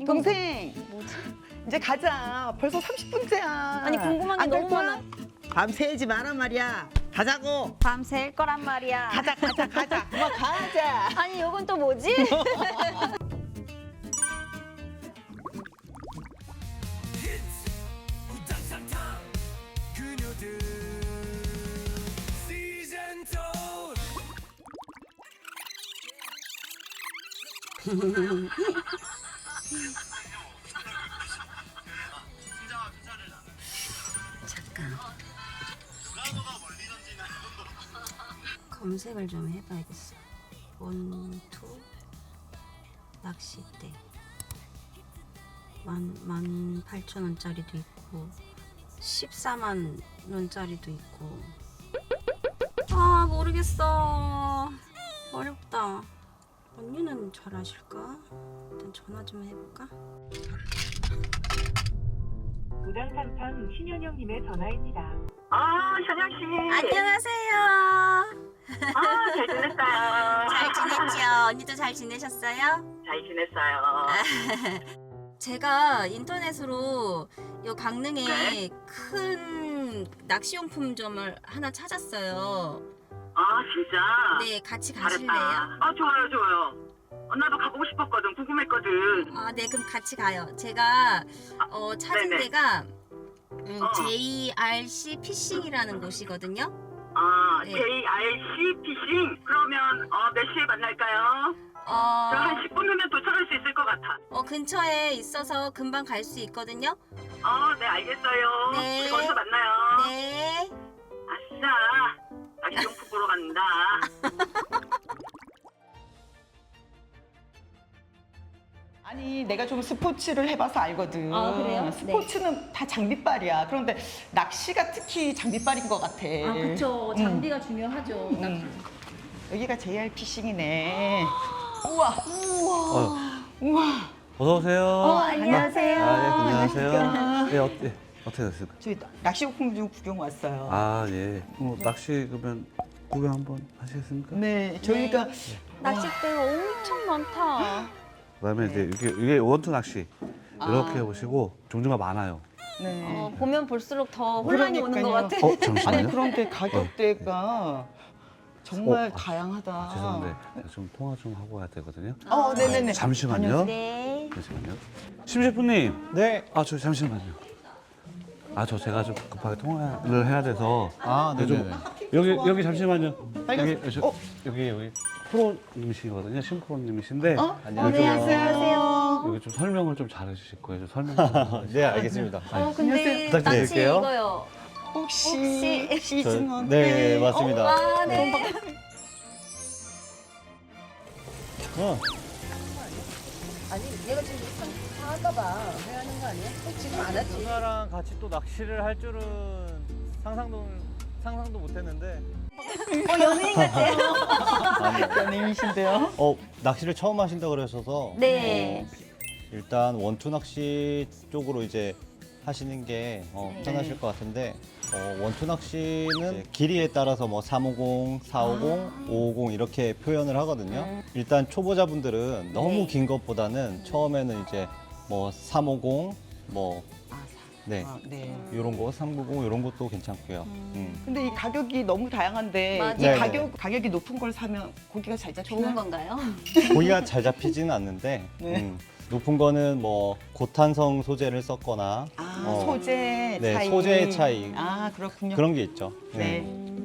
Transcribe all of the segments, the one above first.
동생, 뭐지? 이제 가자. 벌써 30분째야. 아니 궁금한 게 너무 많아. 밤새지 마란 말이야. 가자고. 밤샐 거란 말이야. 가자. 그만 가자. 아니 이건 또 뭐지? 잠깐. 검색을 좀 해봐야겠어. 원투 낚싯대 18,000원짜리도 있고 14만 원짜리도 있고. 아 모르겠어. 어렵다. 언니는 잘 아실까? 일단 전화 좀 해볼까? 무당상판 신현영님의 전화입니다. 현영 씨. 안녕하세요. 잘 지냈어요. 잘 지냈죠? 언니도 잘 지내셨어요? 잘 지냈어요. 제가 인터넷으로 요 강릉에 네? 큰 낚시용품점을 하나 찾았어요. 진짜. 네, 같이 잘했다. 가실래요? 좋아요. 나도 가보고 싶었거든. 궁금했거든. 네, 그럼 같이 가요. 제가 찾은 네네. 데가 JRC 피싱이라는 곳이거든요. 네. JRC 피싱. 그러면 몇 시에 만날까요? 저 한 10분 후면 도착할 수 있을 것 같아. 근처에 있어서 금방 갈 수 있거든요. 네, 알겠어요. 네. 우리 거기서 만나요. 네. 아싸. 낚시용품 보러 간다. 아니, 내가 좀 스포츠를 해봐서 알거든. 아, 그래요? 스포츠는 다 장비빨이야. 그런데 낚시가 특히 장비빨인 것 같아. 그쵸. 장비가 중요하죠. 여기가 JR 피싱이네. 우와. 어서 오세요. 안녕하세요. 네, 안녕하세요. 안녕하십니까. 네, 어떻게 됐을까? 저희 낚시용품 좀 구경 왔어요. 예. 낚시 그러면 구경 한번 하시겠습니까? 네, 저희가 낚싯대가 엄청 많다. 그다음에 이제 이게 원투 낚시 이렇게 해보시고 종류가 많아요. 네. 보면 볼수록 더 혼란이 오는 것 같아. 잠시만요. 아니 그런데 가격대가 정말 다양하다. 죄송한데 좀 통화 좀 하고 가야 되거든요. 네네네. 잠시만요. 네. 잠시만요. 심 셰프님. 네. 저 잠시만요. 제가 좀 급하게 통화를 해야 돼서. 네네네. 여기 잠시만요. 빨리 여기 프로님이시거든요. 심프로님이신데. 안녕하세요. 여기 좀 설명을 좀 잘해주실 거예요. 좀 설명 좀. 네, 알겠습니다. 근데 부탁드릴게요. 낚시 이거요. 혹시 시즌 네, 맞습니다. 네. 누나랑 같이 또 낚시를 할 줄은 상상도 못했는데. 연예인 같아요. 연예인이신데요? 낚시를 처음 하신다 그러셔서 네. 일단 원투 낚시 쪽으로 이제 하시는 게 편하실 것 같은데 원투 낚시는 길이에 따라서 뭐 350, 450, 550 이렇게 표현을 하거든요. 일단 초보자분들은 너무 긴 것보다는 처음에는 이제 뭐 350, 뭐 네. 네. 이런 거 390 이런 것도 괜찮고요. 근데 이 가격이 너무 다양한데 맞아요. 이 가격이 높은 걸 사면 고기가 잘 잡히나요? 좋은 건가요? 고기가 잘 잡히지는 않는데 네. 높은 거는 뭐 고탄성 소재를 썼거나 소재 네, 차이. 소재의 차이. 그렇군요. 그런 게 있죠. 네.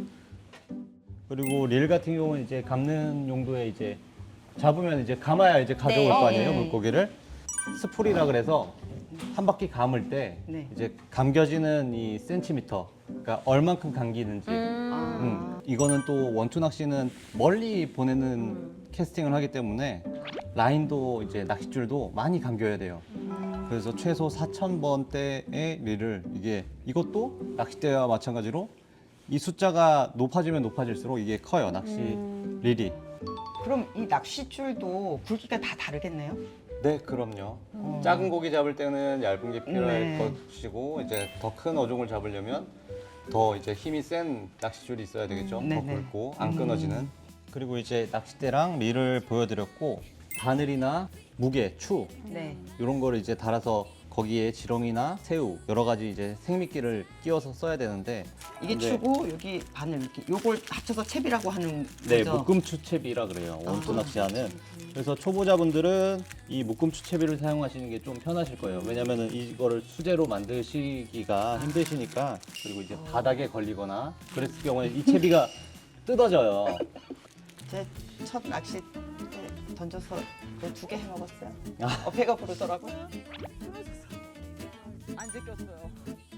그리고 릴 같은 경우는 이제 감는 용도에 이제 잡으면 이제 감아야 이제 가져올 네. 거 아니에요, 네. 물고기를. 스풀이라 그래서 한 바퀴 감을 때 네. 이제 감겨지는 이 센티미터, 그러니까 얼만큼 감기는지. 이거는 또 원투 낚시는 멀리 보내는 캐스팅을 하기 때문에 라인도 이제 낚싯줄도 많이 감겨야 돼요. 그래서 최소 4,000번대의 릴을 이것도 낚싯대와 마찬가지로 이 숫자가 높아지면 높아질수록 이게 커요, 낚시 릴이. 그럼 이 낚싯줄도 굵기가 다 다르겠네요? 네, 그럼요. 작은 고기 잡을 때는 얇은 게 필요할 네. 것이고 이제 더 큰 어종을 잡으려면 더 이제 힘이 센 낚싯줄이 있어야 되겠죠. 더 네네. 굵고 안 끊어지는. 그리고 이제 낚싯대랑 릴을 보여드렸고 바늘이나 무게, 추 네. 이런 거를 이제 달아서 거기에 지렁이나 새우 여러 가지 이제 생미끼를 끼워서 써야 되는데 이게 근데- 추고 여기 바늘 이렇게 요걸 합쳐서 채비라고 하는 네, 거죠? 묶음추채비라 그래요. 원투 낚시하는. 그래서 초보자분들은 이 묶음추채비를 사용하시는 게 좀 편하실 거예요. 왜냐면은 이거를 수제로 만드시기가 힘드시니까 그리고 이제 바닥에 걸리거나 그랬을 경우에 이 채비가 뜯어져요. 제 첫 낚시 때 던져서 2개 해 먹었어요. 아. 배가 부르더라고. 안 제꼈어요.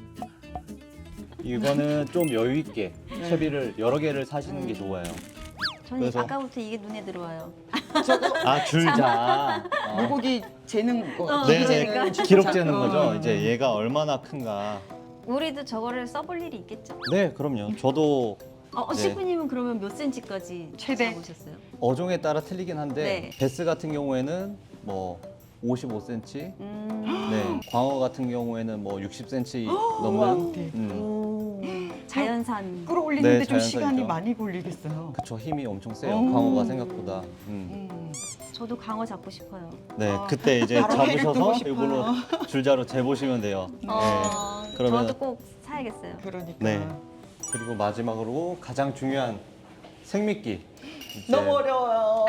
이거는 좀 여유 있게 네. 채비를 여러 개를 사시는 게 좋아요. 저는 그래서- 아까부터 이게 눈에 들어와요. 아, 줄자. 물고기 재는 거. 네, 기기 네. 재는 기록 재는 어. 거죠. 이제 얘가 얼마나 큰가. 우리도 저거를 써볼 일이 있겠죠? 네, 그럼요. 저도 네. 시프님은 그러면 몇 센치까지 최대? 잡으셨어요? 어종에 따라 틀리긴 한데 네. 베스 같은 경우에는 뭐 55cm, 네, 광어 같은 경우에는 뭐 60cm 넘는, 오, 자연산. 끌어올리는데 네, 좀 자연산이죠. 시간이 많이 걸리겠어요. 그쵸, 힘이 엄청 세요. 오. 광어가 생각보다. 저도 강어 잡고 싶어요. 네, 그때 이제 바로 회를 뜨고 잡으셔서 싶어요. 이걸로 줄자로 재보시면 돼요. 네. 그러면- 저도 꼭 사야겠어요. 그러니까. 네. 그리고 마지막으로 가장 중요한 생미끼. 이제 너무 어려워요.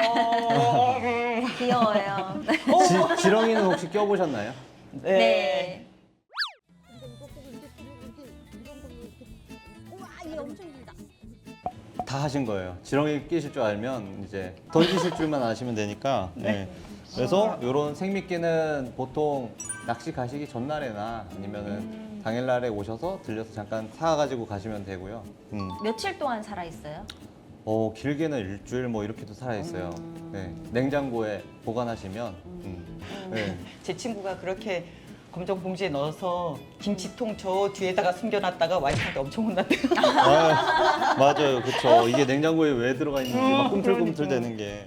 귀여워요. 지렁이는 혹시 껴보셨나요? 네. 다 하신 거예요. 지렁이 끼실 줄 알면 이제 던지실 줄만 아시면 되니까. 네. 그래서 이런 생미끼는 보통 낚시 가시기 전날에나 아니면은 당일날에 오셔서 들려서 잠깐 사가지고 가시면 되고요. 며칠 동안 살아 있어요? 길게는 일주일 뭐 이렇게도 살아 있어요. 네. 냉장고에 보관하시면. 네. 제 친구가 그렇게 검정 봉지에 넣어서 김치통 저 뒤에다가 숨겨놨다가 와이프한테 엄청 혼났대요. 아, 맞아요, 그렇죠. 이게 냉장고에 왜 들어가 있는지 막 꿈틀꿈틀 그러니까. 되는 게.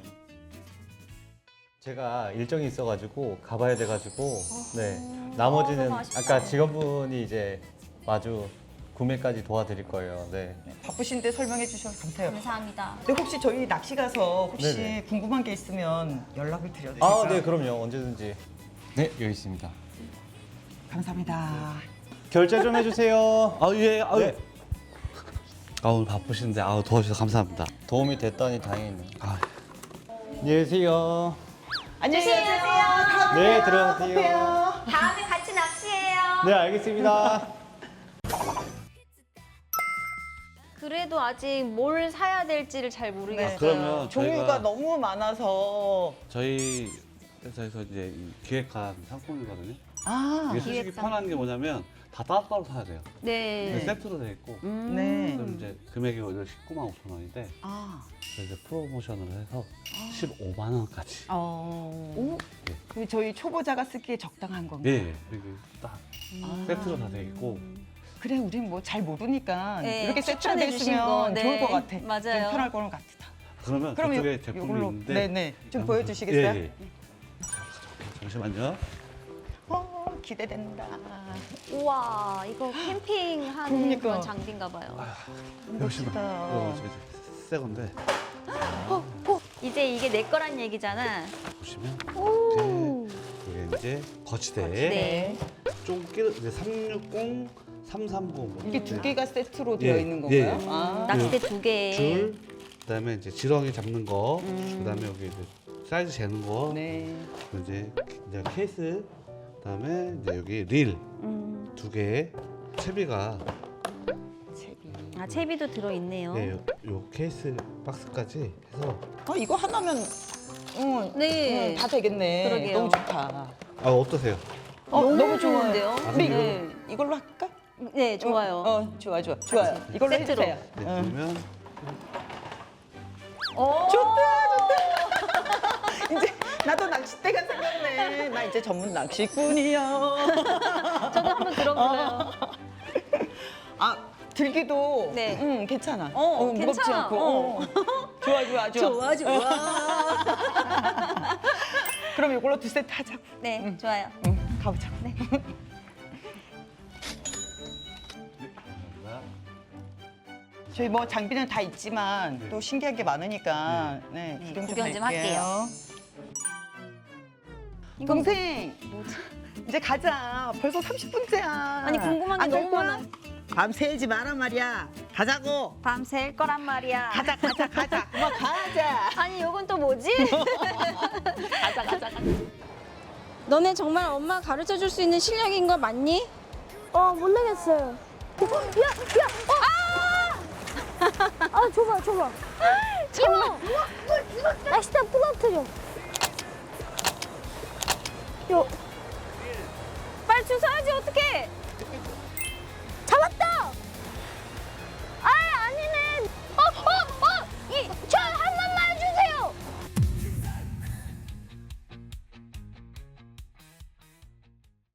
제가 일정이 있어가지고 가봐야 돼가지고 네 나머지는 너무 아쉽다. 아까 직원분이 이제 마주 구매까지 도와드릴 거예요. 네. 바쁘신데 설명해 주셔서 감사해요. 감사합니다. 근데 혹시 저희 낚시 가서 혹시 네네. 궁금한 게 있으면 연락을 드려도 될까요? 아, 네, 그럼요. 언제든지. 네, 여기 있습니다. 감사합니다. 결제 좀 해주세요. 아, 예, 아유. 네. 오늘 바쁘신데, 도와주셔서 감사합니다. 도움이 됐다니 다행이네요. 아, 안녕히 계세요. 안녕히 계세요. 네, 들어가세요. 다음에 같이 낚시해요. 네, 알겠습니다. 그래도 아직 뭘 사야 될지를 잘 모르겠어요. 그러면 종류가 저희가- 너무 많아서 저희 회사에서 이제 기획한 상품이거든요. 아, 이게 쓰시기 기획상. 편한 게 뭐냐면 다 따로따로 사야 돼요. 네. 근데 세트로 돼 있고 네. 그럼 이제 금액이 오히려 19만 5천 원인데 아, 저희 이제 프로모션을 해서 15만 원까지. 오, 그 저희 초보자가 쓰기에 적당한 건가요? 예, 이게 딱 세트로 다 돼 있고 그래, 우린 뭐 잘 모르니까 네, 이렇게 세트로 추천해 돼 주신 있으면 거, 네. 좋을 것 같아. 맞아요. 좀 편할 거는 같아. 그러면 그럼 그쪽에 요- 제품이 요걸로- 있는데 네네. 좀 한번- 보여주시겠어요? 예, 예. 잠시만요. 기대된다. 우와, 이거 캠핑하는 그러니까. 그런 장비인가 봐요. 역시나 멋지다. 이거 새 건데 이제 이게 내 거란 얘기잖아. 보시면 오. 이게 이제 거치대 네. 쫑끼 이제 360, 330 뭐 이게 두 개가 세트로 예, 되어 있는 예. 건가요? 아, 낚싯대 2개. 줄, 그다음에 이제 지렁이 잡는 거, 그다음에 여기 이제 사이즈 재는 거, 네. 그리고 이제 케이스, 그다음에 이제 여기 릴 두 개, 채비가 아, 채비도 들어있네요. 네, 요 케이스 박스까지 해서 이거 하나면 네. 다 되겠네. 그러게요. 너무 좋다. 어떠세요? 너무 좋은데요? 좋아요. 우리 네. 이걸로 할까? 네, 좋아요. 좋아요. 이걸로 세트로. 해주세요. 네, 그러면 오. 이제 나도 낚싯대가 생겼네. 나 이제 전문 낚시꾼이야. 저도 한번 들어볼래요. 들기도 네. 괜찮아. 무겁지 무겁지 않고. 않고. 좋아. 좋아. 그럼 이걸로 2세트 하자고. 네, 좋아요. 가보자. 네. 저희 뭐 장비는 다 있지만 또 신기한 게 많으니까 구경 좀 구경 좀 할게요. 할게요. 동생 이제 가자. 벌써 30분째야. 아니, 궁금한 게 너무 많아. 밤새지 마란 말이야. 가자고. 밤샐 거란 말이야. 가자. 그만 가자. 아니, 이건 또 뭐지? 가자. 너네 정말 엄마 가르쳐 줄 수 있는 실력인 거 맞니? 모르겠어요. 줘봐. 정말. 낚싯대 부러뜨려. 빨리 주워야지, 어떡해.